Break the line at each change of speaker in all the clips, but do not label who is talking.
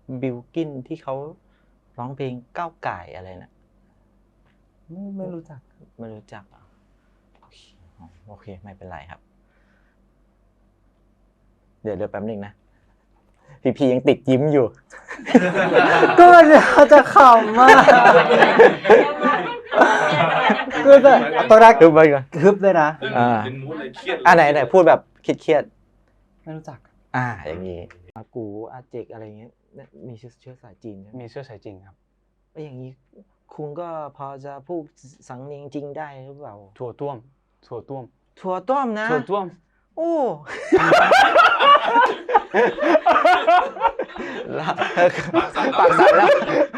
บิลกินที่เขาร้องเพลงก้าวไก่อะไรนะ
ไม่รู้จัก
ไม่รู้จักอ่ะโอเคไม่เป็นไรครับเดี๋ยวแป๊บนึงนะพี่ยังติดยิ้มอยู่
ก็จะขำมากก็จะตอนแรก
ฮึบไปก่อน
ฮึบเลยนะ
เป็นมูดเลยเครียด
ไหนพูดแบบเครียด
ไม่รู้จัก
อย่างนี้อากูอาเจกอะไรเงี้ยมีเชื้อสายจีน
มีเชื้อสายจีนครับ
อย่างนี้คุณก็พอจะพูดสังเนียงจริงได้หรือเปล่า
ถั่วต้มนะถั่วต้ม
โอ้ปากสั่นแล้ว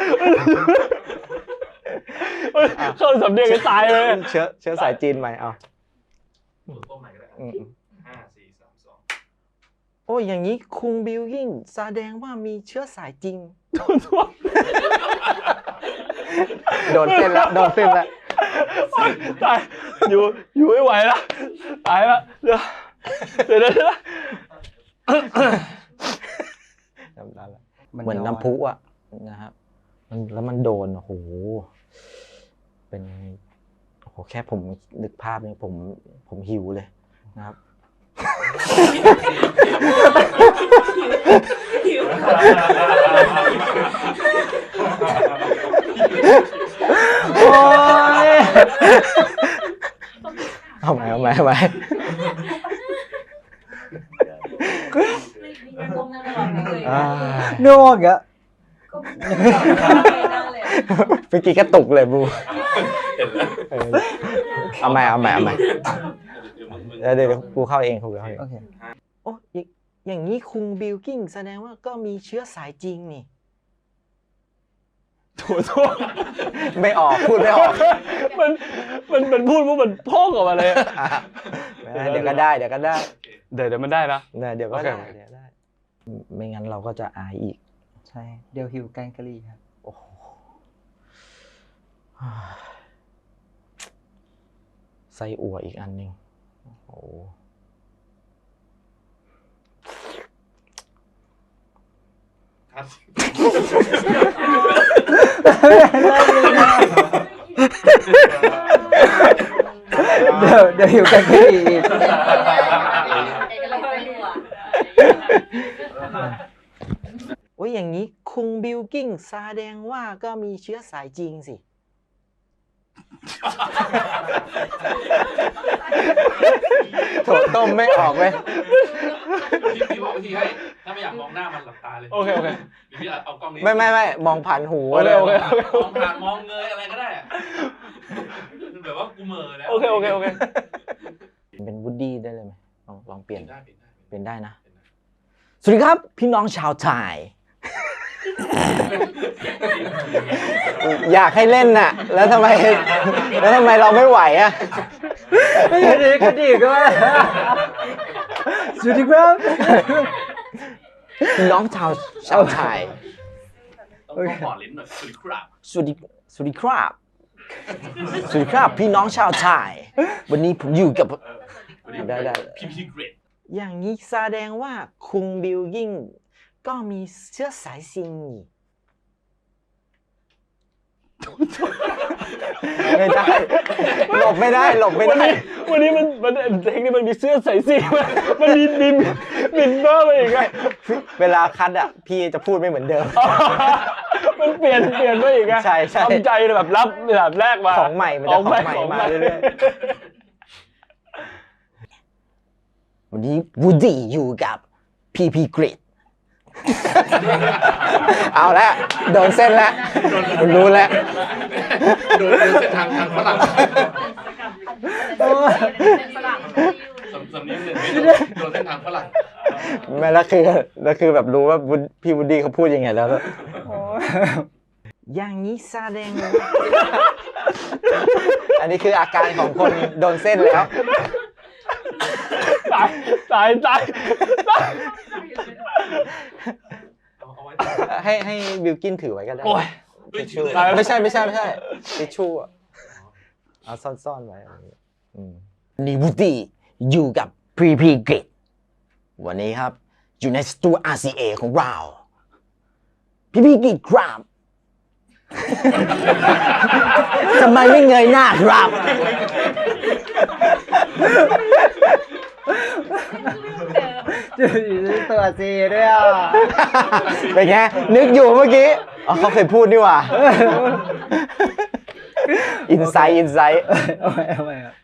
เข้าสำเนียงกันตายเลย
เชื้อสายจีนใหม่เอา
ต้มใหม่ก็ได้5 4 3 2
โอ้อย่างนี้คุงบิลกิ้งแสดงว่ามีเชื้อสายจริงโดนเส้นแล้ว
ตายอยู่ไม่ไหวแล้วตายแล้วเดี๋ยว
เหมือนน้ำพุอ่ะนะครับแล้วมันโดนโอ้โหเป็นโอ้โหแค่ผมนึกภาพเนี่ยผมหิวเลยนะครับโอ้ยเอาใหม่
โน่กะ
เมื่อกี้กระตุกเลยบูเอาใหม่เดี๋ยวกูเข้าเองโอเคโอ้อย่างนี้คุงบิลกิ้งแสดงว่าก็มีเชื้อสายจริงนี่
ถั่ว
ไม่ออกพูดไม่ออก
มันพูดว่ามันพ่องออกมาเลย
เดี๋ยวก็ได้เดี๋ยว
มันได้นะ
เดี๋ยวก็ได้ไม่งั้นเราก็จะอายอีก
ใช่เดี๋ยวหิวแกงกะหรี่ครับ
โอ้โหไส้อั่วอีกอันนึงโอ้
เดี๋ยวหิวแกงกะหรี่อีก
โอ้ยอย่างนี้คุงบิลกิ้งแสดงว่าก็มีเชื้อสายจริงสิถั่วต้มไม่ออกเว้ย
พี่บอกทีให้ถ้าไม่อยากมองหน้ามันหลับตาเลย
โอเค
พี่เอากล้องนี้
ไม่มองผ่านหูเลย
มองผ่านมองเงยอะไรก็ได้แบบว่ากูเหม่อแล้ว
โอเค
เป็นวูดดี้ได้เลยไหมลองเปลี่ยนได้นะ
สวัสดีครับ
พี่น้องชาวไทย อยากให้เล่นน่ะแล้วทำไมเราไม่ไหวอ่ะ
ก็ดีก็สวัสดีครับ
พี่น้องชาวไทย
ต้องปอดลิ้นหน่อยสวัสดีครับ
สวัสดีครับพี่น้องชาวไทยวันนี้ผมอยู่กับได้
พี่เกรด
อย่างนี้แสดงว่าคุงบิลกิ้งก็มีเชื้อสายซิงไม่ได้หลบไม่ได้
วันนี้มันเทคนิคมันมีเสื้อใส่สีมันมีบินเบอร์มาอีกไง
เวลาคัดอ่ะพี่จะพูดไม่เหมือนเดิม
มันเปลี่ยนไปอีกไง
ใช่
ทำใจแบบรับแบบแรกมา
ของใหม่มันจะของใหม่มาเรื่อยวันนี้วูดดี้อยู่กับพีเกรดเอาละโดนเส้นแล้วรู้แล้ว
โดนเส้นทางฝรั่งสำเนียงเลยโดนเส้นทางฝรั่ง
ไม่แล้วคือแบบรู้ว่าพี่วูดดี้เขาพูดยังไงแล้วอย่างนี้แสดงอันนี้คืออาการของคนโดนเส้นแล้ว
ตาย
ให้บิลกินถือไว้ก็ได้ทิชชู่ไม่ใช่ทิชชู่เอาซ่อนไว้นี่วูดดี้อยู่กับพีเกรดวันนี้ครับอยู่ในสตู RCA ของเราพี่กี่ครับ ทำไมไม่เงยหน้าครับ
ตัวซีด้วยอ่ะ
เป็นไงนึกอยู่เมื่อกี้อ๋อเขาเคยพูดนี่หว่า อินไซต์
เอาไปครับ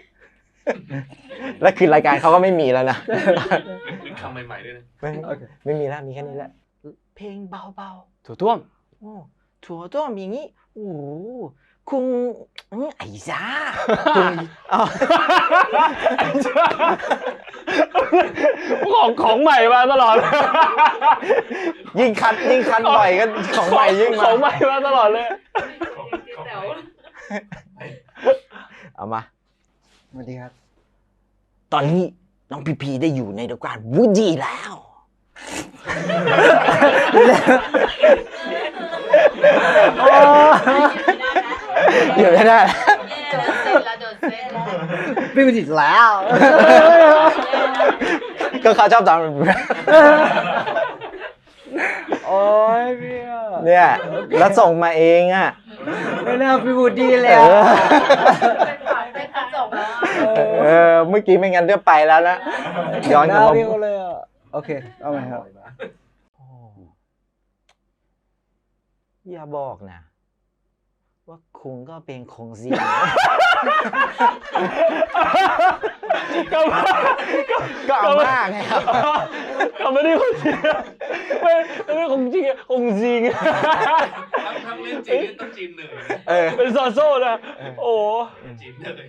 แล้วคือรายการเขาก็ไม่มีแล้วนะ
นึกคำใหม่ๆด้วยนะ
ไม่มีแล้วมีแค่นี้แหละ เพลงเบา
ถั่วต้วม
ๆโอ้ถั่วต้วมอย่างนี้โอ้โหคุณไอ้จ้าคุณเอา
ของใหม่มาตลอด
ยิ่งคัดบ่อยก็ของใหม่ยิ่ง
ข
มา
องใหม่มาตลอดเลย
เอามา
สวัสดีครับ
ตอนนี้น้องพีพีได้อยู่ในรายการวูดดี้แล้ว อยู่ไม่ได้
พี่บุจิตแล้ว
ก็เขาชอบทำ
โอ้ยพี่อ่ะ
เนี่ยแล้วส่งมาเองอ่ะ
ไม่น่าพี่บุดีเลย
เอ
อ่ะ
เมื่อกี้ไม่งั้นเดี๋ยวไปแล้วนะย้อนกลับมา
พี่เขาเลยอ่ะโอเคเอาใหม่ครับ
อย่าบอกนะ ว่าคุณก็เป็นคงซี ก็เอามากไงครับ
ก็ไม่ได้คนจริงไม่ของจริงของจริง
ทั้งเล่นจริงต้องจีนเหนื่อย
เป็นซอโซ่นะโอ้
จีนเหนื่อย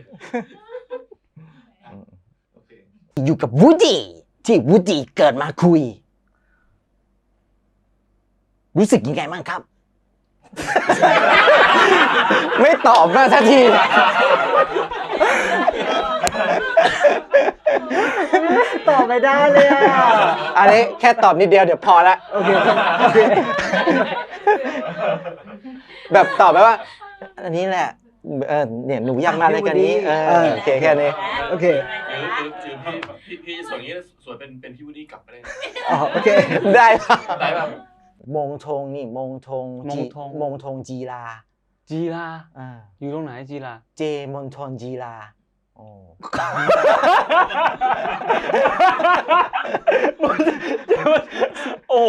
โอเค
อยู่กับวูดดี้ที่วูดดี้เกิดมาคุย รู้สึกยังไงบ้างครับ ไม่ตอบมาสักที
ตอบไม่ได้เลยอ่ะ
อันนี้แค่ตอบนิดเดียวเดี๋ยวพอละ
โอเคโอเค
แบบตอบไปว่า อันนี้แหละเนี่ยหนูอยากมาในกันนี้โอเคแค่นี้
โอเค
พี่ส่วนนี้ส่วนเป็นพี่วูดดี้กลับไปเลย
อ๋อโอเค
ได้ป่ะ
ได้ป่ะ
มงทงนี่มงทงจีรา
จีรา
อ่า
อยู่ตรงไหนจีรา
เจมณฑลจีราโอ้
โอ้โห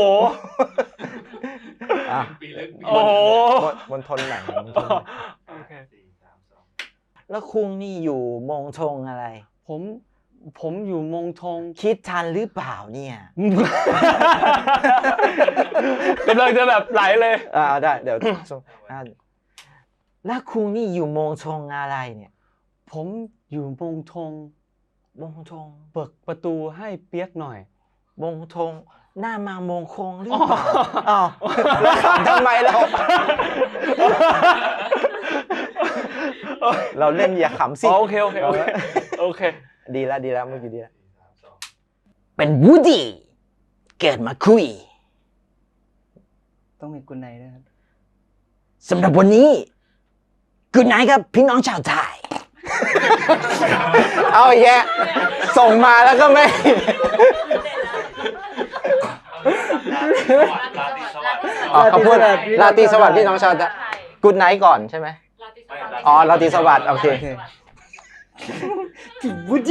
อ่ะ
ปีเล็ก
โอ้โห
มณฑลไหนมณฑลไหน
โอเค
แล้วคุงนี่อยู่มงทงอะไร
ผมอยู่มงทง
คิดทันหรือเปล่าเนี่ย
กำลังจะแบบไหลเลย
ได้เดี๋ยวแล้วคุงนี่อยู่มงทงอะไรเนี่ย
ผมอยู่มงทง
มงทง
เปิดประตูให้เปียกหน่อย
มงทงหน้ามามงคงหรือเปล่าอ้าวแล้วขำทำไมเราเล่นอย่าขำสิ
โอเคโอเค
ดีแล้วเมื่อกี้ดีแล้วเป็นวูดดี้เกิดมาคุย
ต้องมีกุญไนด้วยครับ
สำหรับวันนี้กุณนายครับพี่น้องชาวไทย เอาอีกแยะส่งมาแล้วก็ไม่ เขาพูดราตรีสวัสดิ์พี่น้องชาวไทยกุณไนก่อนใช่ไหมอ๋อราตรีสวัสดิ์โอเค
บุจิ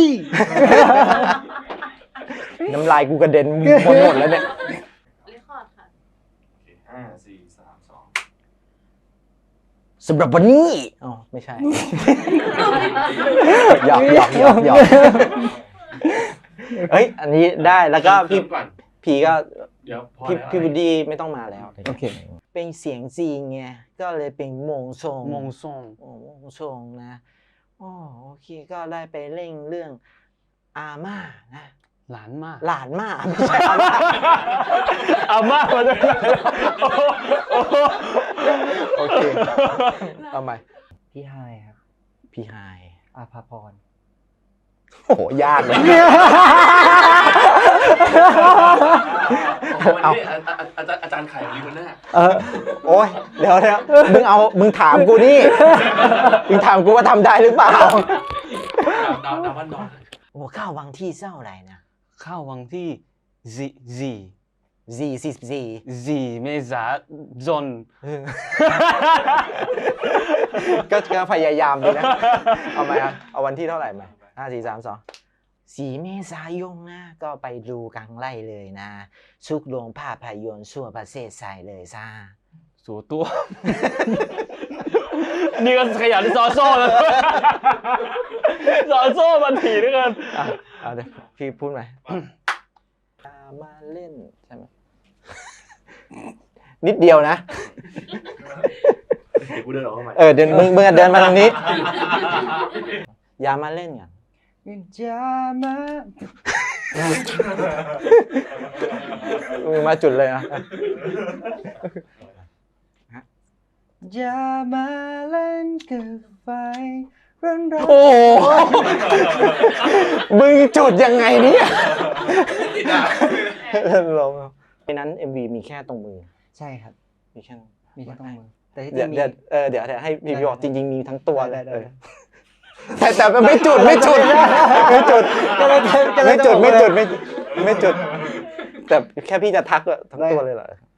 น้ำลายกูกระเด็นหมดแล้วเนี่ย
5 4 3 2
สำหรับวันนี้อ๋อไม่ใช่ หยอกเฮ้ยอันนี้ได้แล้วก็พี่
ก่อน
พีก็
เดี๋ยวพอ
พี่บูดดี้ไม่ต้องมาแล้ว
โอเค
เป็นเสียงจีนไงก็เลยเป็นมงทรง
มงทรง
โอ้มงทรงนะอ๋อโอเคก็ได้ไปเล่นเรื่องอาม่านะ
หลานมาก
หลานม่าไม่ใช่อาม่า
อาม่ามาจากไหน
โอเคเอาใหม่
พี่ไฮครับ
พี่ไฮ
อาภาพร
โอ้โหยากเลย
เอาอาจารย์ไข่ลีคนหน้า
โอ้ยเดี๋ยวมึงถามกูนี่มึงถามกูว่าทำได้หรือเปล่า
ดาววันนอน
โอ้ข้าววังที่เศร้าอะไรนะ
เข้าวังที่ซี
44
4 เมษายน
ก็พยายามดีนะ เอาไหมครับเอาวันที่เท่าไหร่มา5 4 3 2 4 เมษายนนะ ก็ไปดูกลางไล่เลยนะทุกโรงภาพยนตร์ทั่วประเทศไทยเลยซ่า
สู่ตัว นี่ก็ขยันซอโซ่แล้ว ซอโซ่มันถี่ด้วยกัน
เอาเดี๋ยวพี่พูดไหมมาเล่นใช่ไหม นิดเดียวนะ
เดี๋ยวกูเดินออกเข้ามา
เดินมึงเดินมาทางนี้ อย่ามาเล่นกัน
จะมา
มึงมาจุดเลยนะ
อย่ามาเล่นกับไฟร้อนๆ
โอ้โหมึงจุดยังไงเนี่ยลงในนั้น MV มีแค่ตรงมือ
ใช่ครับ
มีแค่นั้น
มีแค่ต้องมือ แต่ที่จ
เดี๋
ริ
ยว
งมี
เดี๋ยวให้พี่บอกจริงๆมีทั้งตัวเลย
ได้
แต่ไม่จุดไม่จุดไม่จุดไม่จุดแต่แค่พี่จะทักทั้งตัวเลยเหรอ